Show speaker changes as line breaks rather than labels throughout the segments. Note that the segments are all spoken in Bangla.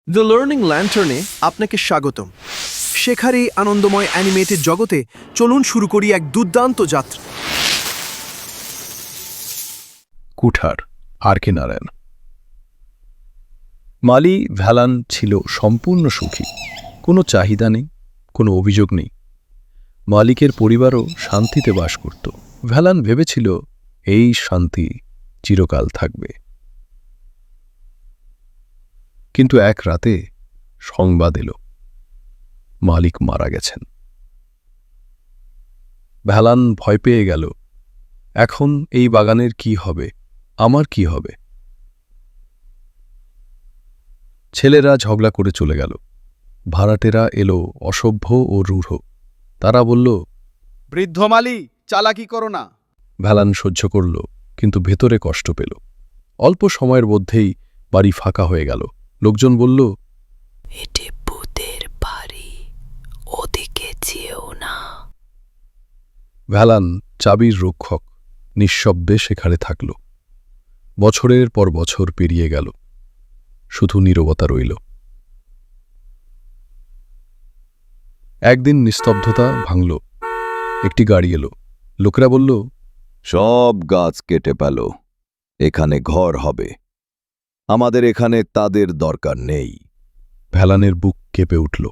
দ্য লার্নিং ল্যান্টার্নে আপনাকে স্বাগতম। শেখার এই আনন্দময় অ্যানিমেটেড জগতে চলুন শুরু করি এক দুর্দান্ত যাত্রা।
কুঠার আর.কে. নারায়ণ। মালি ভ্যালান ছিল সম্পূর্ণ সুখী। কোনো চাহিদা নেই, কোনো অভিযোগ নেই। মালিকের পরিবারও শান্তিতে বাস করত। ভ্যালান ভেবেছিল এই শান্তি চিরকাল থাকবে। কিন্তু এক রাতে সংবাদ এলো, মালিক মারা গেছেন। ভ্যালান ভয় পেয়ে গেল। এখন এই বাগানের কি হবে, আমার কি হবে? ছেলেরা ঝগড়া করে চলে গেল। ভাড়াটেরা এলো অসভ্য ও রূঢ়। তারা বলল,
বৃদ্ধ মালি, চালাকি করো না।
ভ্যালান সহ্য করল, কিন্তু ভেতরে কষ্ট পেল। অল্প সময়ের মধ্যেই বাড়ি ফাঁকা হয়ে গেল। লোকজন বলল,
এটি ভূতের বাড়ি, ওদিকে যেও না।
ভ্যালান চাবির রক্ষক নিঃশব্দে সেখানে থাকল। বছরের পর বছর পেরিয়ে গেল, শুধু নীরবতা রইল। একদিন নিস্তব্ধতা ভাঙল। একটি গাড়ি এলো। লোকেরা বলল,
সব গাছ কেটে পেল, এখানে ঘর হবে। আমাদের এখানে তাদের দরকার নেই।
ভ্যালানের বুক কেঁপে উঠল।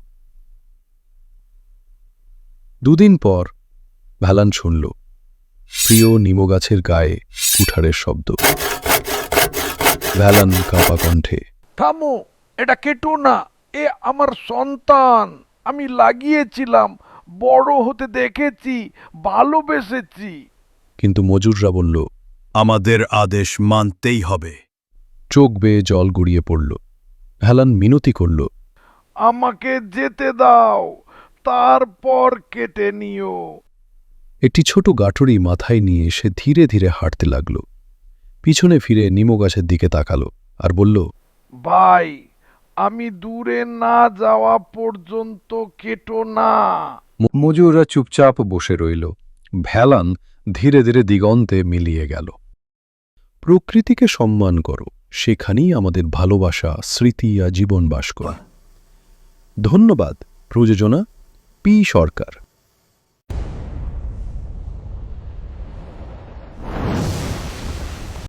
দুদিন পর ভ্যালান শুনল প্রিয় নিমগাছের গায়ে কুঠারের শব্দ। ভ্যালান কাঁপা কণ্ঠে,
থামো, এটা কেটো না, এ আমার সন্তান। আমি লাগিয়েছিলাম, বড় হতে দেখেছি, ভালোবেসেছি।
কিন্তু মজুররা বলল,
আমাদের আদেশ মানতেই হবে।
চোখ বেয়ে জল গড়িয়ে পড়ল। ভ্যালান মিনতি করল,
আমাকে যেতে দাও, তারপর কেটে নিও।
একটি ছোট গাঠুরি মাথায় নিয়ে সে ধীরে ধীরে হাঁটতে লাগল। পিছনে ফিরে নিমগাছের দিকে তাকাল আর বলল,
ভাই, আমি দূরে না যাওয়া পর্যন্ত কেটো না।
মজুররা চুপচাপ বসে রইল। ভ্যালান ধীরে ধীরে দিগন্তে মিলিয়ে গেল। প্রকৃতিকে সম্মান করো, সেখানেই আমাদের ভালোবাসা, স্মৃতি আর জীবন বাস করে। ধন্যবাদ। প্রযোজনা পি সরকার।